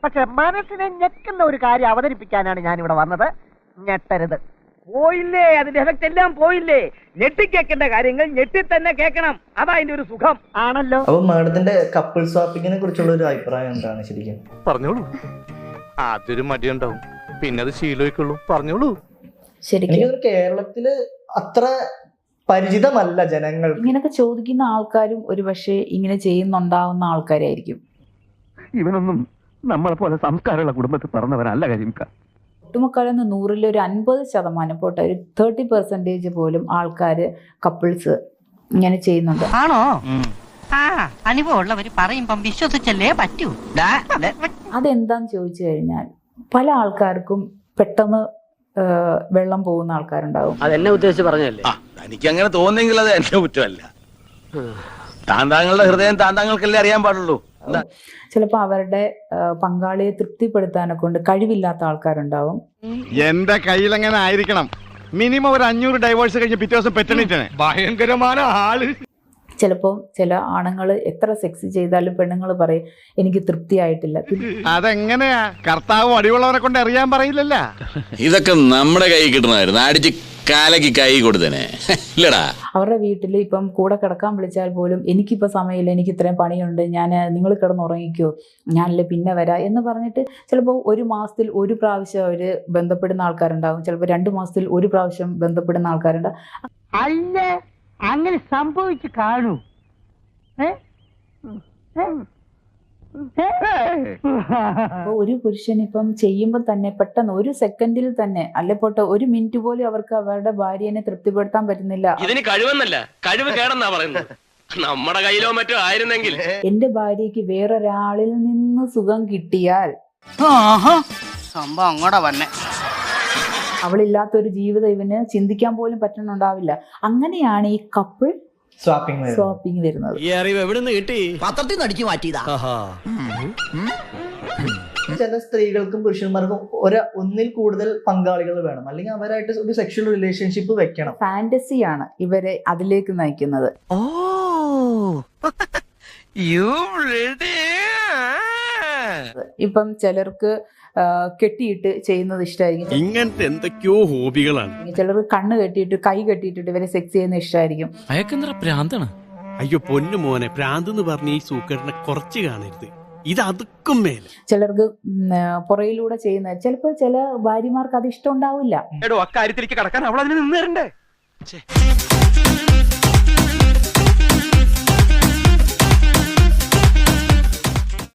പക്ഷെ മനസ്സിനെ ഞെക്കുന്ന ഒരു കാര്യം അവതരിപ്പിക്കാനാണ് ഞാൻ ഇവിടെ വന്നത്. ഞെട്ടരുത്. പോയില്ലേ, അതിന്റെ എഫക്ട് എല്ലാം പോയില്ലേ. ഞെട്ടിക്കേക്കേണ്ട കാര്യങ്ങൾ ഞെട്ടി തന്നെ കേൾക്കണം. അതാ അതിന്റെ ഒരു സുഖം ആണല്ലോ. അപ്പൊ മാഡത്തിന്റെ കപ്പിൾ സ്വാപ്പിങ്ങിനെ കുറിച്ചുള്ള ഒരു അഭിപ്രായം എന്താണ് ശരിക്കും? പറഞ്ഞോളൂ. ആദ്യൊരു മടിയുണ്ടാവും, പിന്നെ അത് ശീലമായിക്കുള്ളൂ. പറഞ്ഞോളൂ. ശരിക്കും കേരളത്തില് അത്ര പരിചിതമല്ല ജനങ്ങൾ. ഇങ്ങനൊക്കെ ചോദിക്കുന്ന ആൾക്കാരും ഒരു പക്ഷേ ഇങ്ങനെ ചെയ്യുന്നുണ്ടാവുന്ന ആൾക്കാരായിരിക്കും. ഇവനൊന്നും നമ്മളെ പോലെ സംസ്കാരമുള്ള കുടുംബത്തിൽ പറഞ്ഞവനല്ല കരിമിക്ക. ഒട്ടുമുക്കാലെന്ന് 100-ൽ ഒരു 50% പോട്ടെ, ഒരു 30% പോലും ആൾക്കാര് കപ്പിൾസ് ഇങ്ങനെ ചെയ്യുന്നുണ്ട്. ആണോ? അനുഭവമുള്ളവര് പറയുമ്പം വിശ്വസിച്ചല്ലേ പറ്റൂ. അതെന്താന്ന് ചോദിച്ചു കഴിഞ്ഞാൽ പല ആൾക്കാർക്കും പെട്ടെന്ന് വെള്ളം പോകുന്ന ആൾക്കാരുണ്ടാവും. അതെന്നെ ഉദ്ദേശിച്ച് പറഞ്ഞല്ലേ. എനിക്ക് അങ്ങനെ തോന്നുന്നെങ്കിൽ അത് എന്റെ കുറ്റമല്ല. താന്താങ്ങളുടെ ഹൃദയം താന്താങ്ങൾക്കല്ലേ അറിയാൻ പാടുള്ളൂ. ചിലപ്പോൾ അവരുടെ പങ്കാളിയെ തൃപ്തിപ്പെടുത്താനെ കൊണ്ട് കഴിവില്ലാത്ത ആൾക്കാരുണ്ടാവും. എന്റെ കയ്യിൽ അങ്ങനെ ആയിരിക്കണം. മിനിമം ഒരു 500 ഡൈവേഴ്സ് കഴിഞ്ഞ് പിറ്റേ ദിവസം പെറ്റണിട്ടാണ്. ഭയങ്കരമായ ആള്. ചിലപ്പോൾ ചില ആണുങ്ങൾ എത്ര സെക്സ് ചെയ്താലും പെണ്ണുങ്ങൾ പറയും എനിക്ക് തൃപ്തിയായിട്ടില്ല. അതെങ്ങനെയാ? കർത്താവ് അടിയുള്ളവരെ കൊണ്ട് അറിയാൻ പറയില്ലല്ല. ഇതൊക്കെ നമ്മുടെ കൈ കിട്ടണമായിരുന്നു. അടിച്ച് കാലക്ക് കൈ കൊടുത്തേനെ ഇല്ലടാ. അവരുടെ വീട്ടിൽ ഇപ്പം കൂടെ കിടക്കാൻ വിളിച്ചാൽ പോലും എനിക്കിപ്പോൾ സമയമില്ല, എനിക്ക് ഇത്രയും പണിയുണ്ട്, നിങ്ങൾ കിടന്നുറങ്ങിക്കോ, ഞാനല്ലേ പിന്നെ വരാം എന്ന് പറഞ്ഞിട്ട് ചിലപ്പോൾ 1 മാസത്തിൽ 1 പ്രാവശ്യം അവർ ബന്ധപ്പെടുന്ന ആൾക്കാരുണ്ടാകും. ചിലപ്പോൾ 2 മാസത്തിൽ 1 പ്രാവശ്യം ബന്ധപ്പെടുന്ന ആൾക്കാരുണ്ടാകും. അല്ല, അങ്ങനെ സംഭവിച്ചു കാണൂ. അപ്പോൾ ഒരു പുരുഷൻ ഇപ്പം ചെയ്യുമ്പോൾ തന്നെ പെട്ടെന്ന് 1 സെക്കൻഡിൽ തന്നെ അല്ലെ പോട്ടെ 1 മിനിറ്റ് പോലും അവർക്ക് അവരുടെ ഭാര്യനെ തൃപ്തിപ്പെടുത്താൻ പറ്റുന്നില്ല. ഇതിന് കഴിവെന്നല്ല, കഴിവ് കേടെന്നാ പറയുന്നത്. നമ്മുടെ കയ്യിലോ മറ്റോ ആയിരുന്നെങ്കിൽ. എന്റെ ഭാര്യയ്ക്ക് വേറൊരാളിൽ നിന്ന് സുഖം കിട്ടിയാൽ സംഭവം അങ്ങോട്ടാ വന്നെ. അവളില്ലാത്തൊരു ജീവിതം ഇവന് ചിന്തിക്കാൻ പോലും പറ്റുന്നുണ്ടാവില്ല. അങ്ങനെയാണ് ഈ കപ്പിൾ സ്വാപ്പിംഗ് വരുന്നത്. ഈ അറിവ് എവിടെ നിന്ന് കിട്ടി? പത്രത്തിൽ നിന്ന് അടിച്ചു മാറ്റിയതാ. ചില സ്ത്രീകൾക്കും പുരുഷന്മാർക്കും ഒന്നിൽ കൂടുതൽ പങ്കാളികൾ വേണം, അല്ലെങ്കിൽ അവരായിട്ട് ഒരു സെക്ഷൽ റിലേഷൻഷിപ്പ് വെക്കണം. ഫാന്റസിയാണ് ഇവരെ അതിലേക്ക് നയിക്കുന്നത്. ഇപ്പം ചിലർക്ക് കെട്ടിയിട്ട് ചെയ്യുന്നത് ഇഷ്ടമായിരിക്കും. ഇങ്ങനത്തെ എന്തൊക്കെയോ ഹോബികളാണ്. ചിലർക്ക് കണ്ണ് കെട്ടിയിട്ട് കൈ കെട്ടിയിട്ടിട്ട് ഇവരെ സെക്സ് ചെയ്യുന്ന ഇഷ്ടമായിരിക്കും. അയക്കെന്തറ പ്രാന്താണ്. അയ്യോ പൊന്നു മോനെ, പ്രാന്ത് എന്ന് പറഞ്ഞ ഈ സൂക്കേടിനെ കുറച്ച് കാണരുത്. ഇത് അതുക്കും മേലെ. ചിലർക്ക് പുറയിലൂടെ ചെയ്യുന്ന, ചിലപ്പോൾ ചില ഭാര്യമാർക്ക് അത് ഇഷ്ടം ഉണ്ടാവില്ല. അക്കാര്യത്തിലേക്ക് കടക്കാൻ അവൾ അതിന് നിന്ന് തരണ്ടേ?